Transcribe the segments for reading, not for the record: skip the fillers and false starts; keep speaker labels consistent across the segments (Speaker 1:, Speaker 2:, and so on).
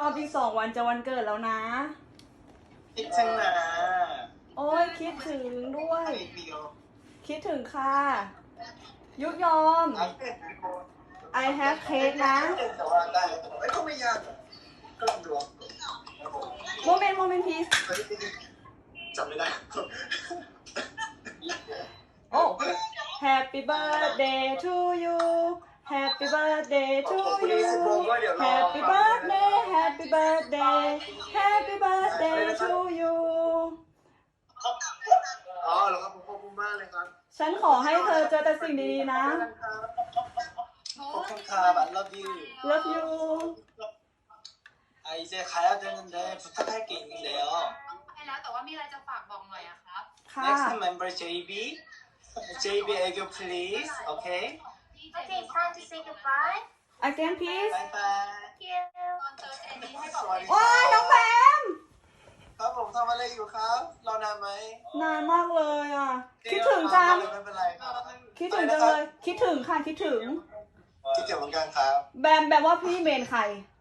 Speaker 1: อบอีก2 วันจะวันเกิดแล้วนะ
Speaker 2: คิดถึงนะ
Speaker 1: โอ้ยคิดถึงด้วย คิดถึงค่ะ ยุยอม I have cake นะ
Speaker 2: แต่ว่าได้แต่ก็ไม่ยากก็ลองดู
Speaker 1: โมเมนต์ please
Speaker 2: จำไม่ได้
Speaker 1: โอ้ Happy birthday to you Happy birthday to you Happy birthday Happy birthday Happy birthday to you
Speaker 2: อ๋อเหรอครับผมขอบคุณมากเลยครับ
Speaker 1: ฉันขอให้เธอเจอแต่สิ่งดีๆนะ
Speaker 2: ขอบคุณครับ I love you
Speaker 1: Love you
Speaker 2: 아 이제 가야 되는데 부탁할 게 있는데요
Speaker 3: ไปแล้วแต่ว่ามีอะไรจะฝากบอกหน่อยอะครับ
Speaker 1: ค่ะ
Speaker 2: Next member JB JB 애교 please okay
Speaker 4: Okay, it's time to say goodbye.
Speaker 1: Again please
Speaker 2: bye bye
Speaker 4: Thank you.
Speaker 3: ตอนเจอเจนี่ให้บอก
Speaker 2: สวัสดี
Speaker 1: โอ้ยน้องแบม
Speaker 2: ครับผมทำอะไรอยู่ครับรอนานไหม
Speaker 1: นานมากเลยอ่ะ คิดถึงจัง
Speaker 2: ไม่เป็นไรครับ
Speaker 1: คิดถึงจังเลย คิดถึงค่ะ คิดถึง
Speaker 2: คิดถึงเหมือนกันครับ
Speaker 1: แบมแบบว่าพี่เมนใคร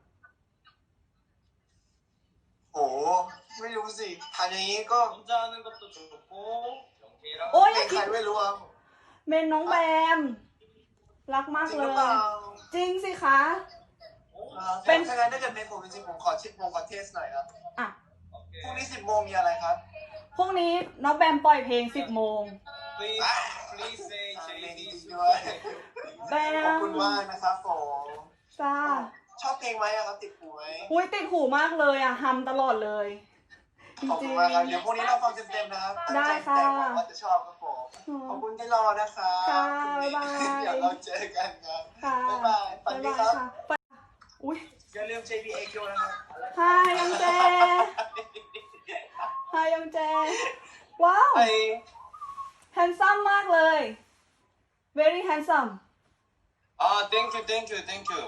Speaker 2: โอ้ไม่รู้สิทานอย่างนี้ก็
Speaker 5: 혼자하는 것도 좋고 영케이랑
Speaker 1: โอ้ยอ
Speaker 2: เป็
Speaker 1: ย่าน
Speaker 2: ใค
Speaker 1: คิ
Speaker 2: ร
Speaker 1: ด
Speaker 2: ไม่รู้ครับ
Speaker 1: เมนน้องแบม รักมาก
Speaker 2: จริง
Speaker 1: เล
Speaker 2: หรือย เปล่า
Speaker 1: จริงสิคะ เป็
Speaker 2: เป็น นถ้างั้นถ้าเกิดเป็นผมจริงๆผมขอเช็คโมงขอเทสหน่อยครับ
Speaker 1: อ่ะ
Speaker 2: พรุ่งนี้10 โมงมีอะไรครับ
Speaker 1: พรุ่งนี้น้องแบมปล่อยเพลง10 โมง
Speaker 5: please say
Speaker 2: เมนจ
Speaker 5: JB's
Speaker 2: ริงๆด้วย
Speaker 1: แบ
Speaker 2: ขอบ
Speaker 1: ม
Speaker 2: คุณมากนะครับผม
Speaker 1: จ้า
Speaker 2: ชอบเพลงไหมอะครับติดหูไหม
Speaker 1: อุ้ยติดหูมากเลยอ่ะฮัมตลอดเลย จ
Speaker 2: ขอบคุ
Speaker 1: ริ
Speaker 2: ณ
Speaker 1: ง
Speaker 2: มากครับเดี๋ยวพรุ่งนี้เราฟังเต็มๆนะครับ
Speaker 1: ได้ค่ะ
Speaker 2: แต่หวังว่าจะชอบครับผมขอบคุณที่รอนะครับ
Speaker 1: ค่ะ
Speaker 2: พรุ่งนี้
Speaker 1: บ๊ายบาย
Speaker 2: เดี๋ยวเราเจอกันครับ
Speaker 1: ค่ะ
Speaker 2: บ๊ายบายฝันดีครับ
Speaker 1: ค่ะไปอุ้ย
Speaker 2: อย่าลืม JBA นะครับ
Speaker 1: ฮายยองแจฮายยองแจ ว้าว
Speaker 2: ไป
Speaker 1: แฮนซัมมากเลย very handsome
Speaker 5: 아 thank you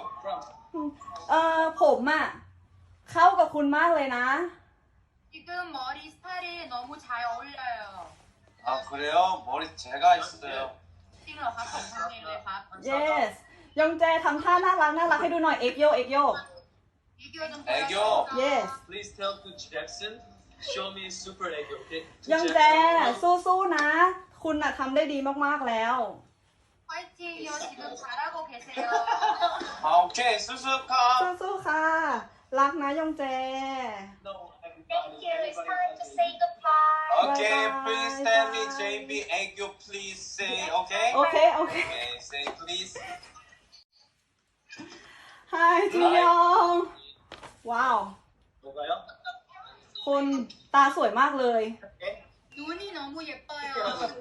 Speaker 1: ผมอ่ะ เข้ากับคุณมากเลยนะ
Speaker 3: 지금 머리 스타일이 너무 잘 어울려요.
Speaker 5: 아 그래요? 머리 제가 했어요
Speaker 3: จริงเหรอครับผมทำเองเลยครับ
Speaker 1: yes ยองแจทำท่าน่ารักให้ดูหน่อย เอ็กโย
Speaker 3: 애교 좀
Speaker 5: 애교
Speaker 3: 보여주세요.
Speaker 1: yes
Speaker 5: Please tell to Jackson show me super 애교 okay?
Speaker 1: ยองแจ สู้ๆนะ คุณน่ะทำได้ดีมากๆแล้ว
Speaker 3: 화이팅이요. 지금 잘하고 계세요.
Speaker 5: 아 오케이 수수카
Speaker 1: สู้ๆค่ะ รักนะยองแจ
Speaker 4: Thank you. It's time to say goodbye.
Speaker 5: Okay
Speaker 1: Bye-bye.
Speaker 5: please tell me JB 애교 please say okay?
Speaker 1: โอเค โอเค
Speaker 5: Okay say please
Speaker 1: Hi จียอง ว้าว
Speaker 5: 뭐가요?
Speaker 1: คุณตาสวยมากเลย
Speaker 3: 눈이 너무 예뻐요.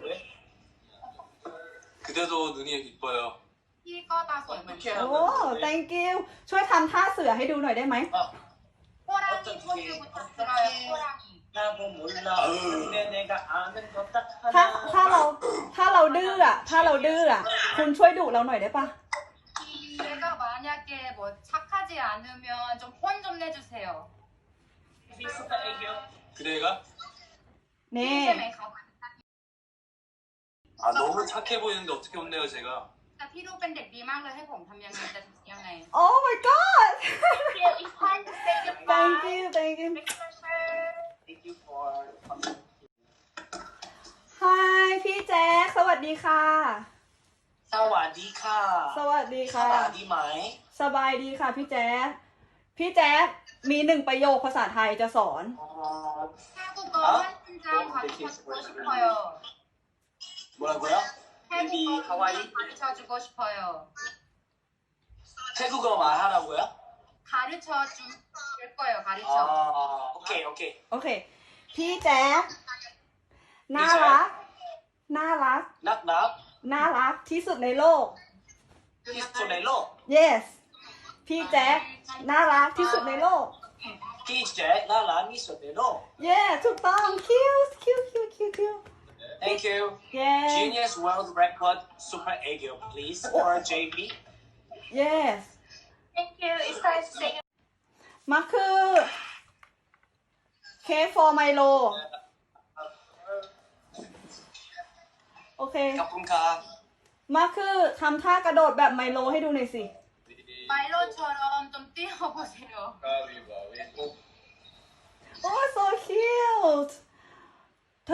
Speaker 5: 그대도 눈이 이뻐요
Speaker 3: พี่ก็ตาสวยเหมือนกัน
Speaker 1: โอ้ thank you ช่วยทำท่าเสือให้ดูหน่อยได้ไหม
Speaker 3: 호랑이 포즈부터 들어요. 호랑이.
Speaker 2: 나뭐 몰라 근데 내가 아는 거딱
Speaker 1: ถ้าเราดื้ออ่ะ คุณช่วยดุเราหน่อยได้ปะ
Speaker 3: 내가 만약에 뭐 착하지 않으면 좀 혼 좀 내주세요.
Speaker 5: 그대가?
Speaker 1: นี่
Speaker 3: ใช่ไหมครับ
Speaker 5: 아 너무 착해 보이는데 어떻게 혼내요 제가
Speaker 3: แต่พี่ดูเป็นเด็กดีมากเลยให้ผมทำยังไงจะยังไง
Speaker 1: Oh my god
Speaker 4: Thank you. It's time to say goodbye.
Speaker 1: thank you
Speaker 2: Thank you for
Speaker 1: Hi พี่แจ๊คสวัสดีค่ะ
Speaker 2: สวัสดีค่ะ
Speaker 1: สวัสดี
Speaker 2: ส
Speaker 1: ค่ะ
Speaker 2: วัสดีไหม
Speaker 1: สบายดีค่ะพี่แจ๊คพี่แจ๊คมี1 ประโยคภาษาไทยจะสอน
Speaker 3: 태국어 한 문장 가르쳐주고 싶어요.
Speaker 2: 뭐라고요?
Speaker 3: 태국어
Speaker 2: 하와이?
Speaker 3: 가르쳐주고 싶어요.
Speaker 2: 태국어 말하라고요?
Speaker 3: 가르쳐줄 거예요. 가르쳐.
Speaker 2: 오케이
Speaker 1: โอเค พี่แจ๊คน่ารัก
Speaker 2: 낙낙
Speaker 1: ที่สุดในโลก
Speaker 2: 피스토넬로
Speaker 1: yes พี่แจ๊คน่ารักที่สุดในโลก
Speaker 2: 피제 나라 미소넬로
Speaker 1: yeah ถูกต้อง cute
Speaker 2: Thank you
Speaker 1: yeah
Speaker 2: Genius World Record Super Egg please or JB
Speaker 1: yes
Speaker 4: Thank you. It's time to say goodbye.
Speaker 1: มาคือเคฟ for Milo โอเค
Speaker 2: 가뿐카
Speaker 1: มาคือทำท่ากระโดดแบบไมโลให้ดูหน่อยสิ
Speaker 3: 마일론처럼 좀 뛰어보세요.
Speaker 5: 가위바위보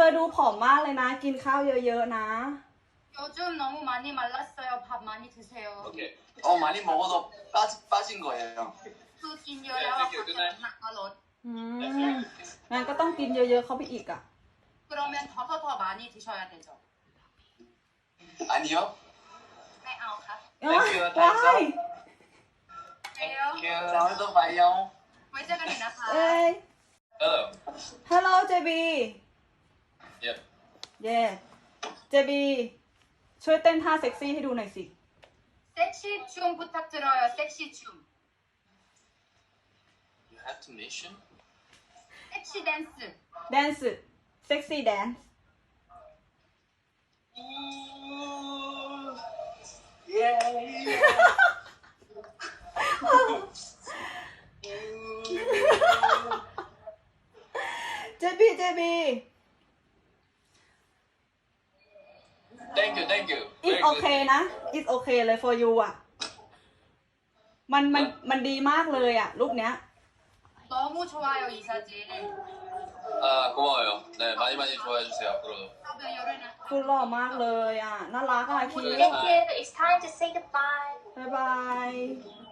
Speaker 1: อดูผอมมากเลยนะ กินข้าวเยอะๆนะ
Speaker 3: 요즘 너무 많이 말랐어요. 밥 많이 드세요.
Speaker 5: Okay.
Speaker 6: 많이 먹어도 빠진 거예요.
Speaker 3: คือกินเยอะแล้วอะค่ะแต่น้ำหนักก็ลด
Speaker 1: งั้นก็ต้องกินเยอะๆเข้าไปอีกอ่ะ
Speaker 3: 그러면 더 많이 드셔야 되죠.
Speaker 6: 아니요.
Speaker 3: ไม่เอาครับ
Speaker 2: Thank you
Speaker 1: ว้าย
Speaker 3: เร็ว
Speaker 2: Thank you
Speaker 6: 다음에 또 봐요.
Speaker 3: ไว้เจอกันอีกนะคะ
Speaker 1: เอ้ย
Speaker 5: Hello.
Speaker 1: Hello JB
Speaker 5: Yep.
Speaker 1: เย่ JB ช่วยเต้นท่าเซ็กซี่ให้ดูหน่อยสิ
Speaker 3: 섹시 춤 부탁드려요. 섹시 춤.
Speaker 5: You have to mention.
Speaker 3: 섹시 댄스.
Speaker 1: Dance Sexy Dance JB
Speaker 5: Thank you. Thank you.
Speaker 1: It's okay นะ It's okay เลย for you อ่ะ มันดีมากเลยอ่ะ รูปเนี้ย
Speaker 3: 너무 좋아요 이 사진.
Speaker 5: 아 고마워요. 네 많이 좋아해 주세요 앞으로도.
Speaker 3: 저도 열애나.
Speaker 1: คือหล่อมากเลยอ่ะ น่ารักอ่ะคิด
Speaker 4: Thank you. It's time to say goodbye.
Speaker 1: บ๊ายบาย